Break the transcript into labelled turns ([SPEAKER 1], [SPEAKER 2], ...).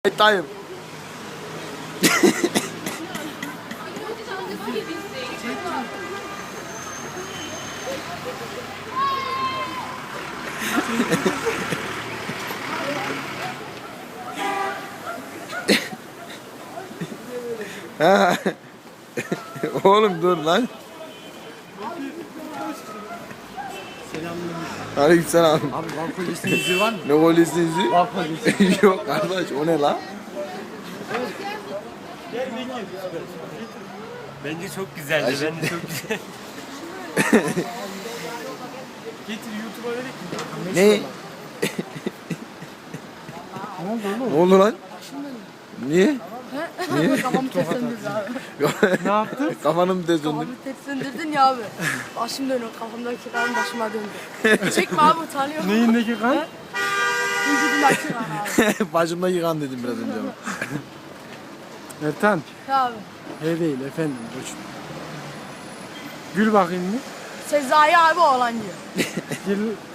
[SPEAKER 1] Dayım. Ha. Oğlum dur lan. Aleykümselam.
[SPEAKER 2] Abi Van Polis'in yüzüğü var mı?
[SPEAKER 1] Ne polisinin yüzü?
[SPEAKER 2] Van Polis.
[SPEAKER 1] Yok kardeş, o ne lan?
[SPEAKER 3] Bence çok güzeldi. Bence çok güzel. Getir YouTube'a verek mi?
[SPEAKER 1] Ne?
[SPEAKER 2] Ne oldu oğlum?
[SPEAKER 1] Ne oldu lan? Niye?
[SPEAKER 4] Kafamı ters söndürdün abi.
[SPEAKER 2] Ne yaptın?
[SPEAKER 1] Kafanı mı tez döndün?
[SPEAKER 4] Kafamı ters söndürdün ya abi. Başım dönüyor. Kafamdaki kan başıma döndü. Çekme abi utanıyorum.
[SPEAKER 2] Neyindeki kan?
[SPEAKER 4] Vücudumdaki kan abi.
[SPEAKER 1] Bacımda yıkan dedim biraz önce ama.
[SPEAKER 2] Ertan.
[SPEAKER 4] Ya abi.
[SPEAKER 2] He değil efendim koçum. Gül bakayım mı?
[SPEAKER 4] Sezai abi oğlan diyor.
[SPEAKER 2] Gül